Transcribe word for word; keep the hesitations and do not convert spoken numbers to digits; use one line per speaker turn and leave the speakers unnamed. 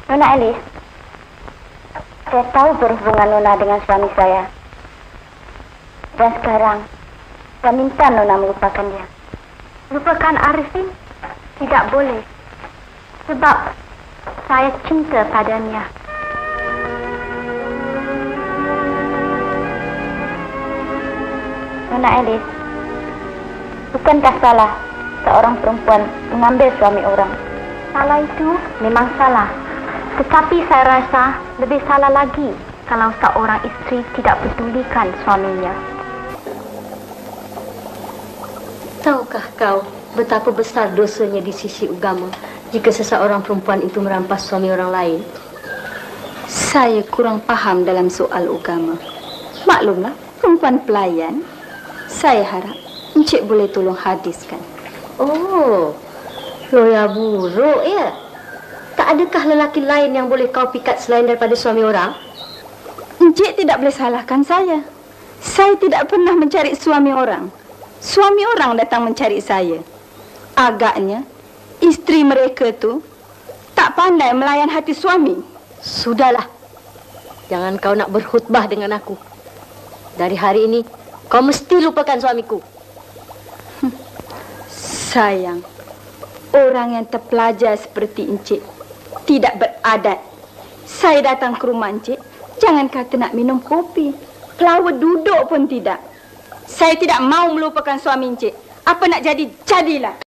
Nona Elis, saya tahu berhubungan Nona dengan suami saya. Dan sekarang, saya minta Nona melupakan dia. Lupakan Arifin? Tidak boleh. Sebab saya cinta padanya. Nona Elis, bukankah salah seorang perempuan mengambil suami orang? Salah itu memang salah. Tetapi saya rasa lebih salah lagi kalau seorang isteri tidak pedulikan suaminya.
Tahukah kau betapa besar dosanya di sisi agama jika seseorang perempuan itu merampas suami orang lain?
Saya kurang paham dalam soal agama. Maklumlah, perempuan pelayan. Saya harap Encik boleh tolong hadiskan.
Oh, loya buruk ya. Tak adakah lelaki lain yang boleh kau pikat selain daripada suami orang?
Encik tidak boleh salahkan saya. Saya tidak pernah mencari suami orang. Suami orang datang mencari saya. Agaknya isteri mereka tu tak pandai melayan hati suami.
Sudahlah. Jangan kau nak berkhutbah dengan aku. Dari hari ini kau mesti lupakan suamiku.
Hm. Sayang, orang yang terpelajar seperti Encik tidak beradat. Saya datang ke rumah Encik, jangan kata nak minum kopi, pelawat duduk pun tidak. Saya tidak mau melupakan suami Encik. Apa nak jadi, jadilah.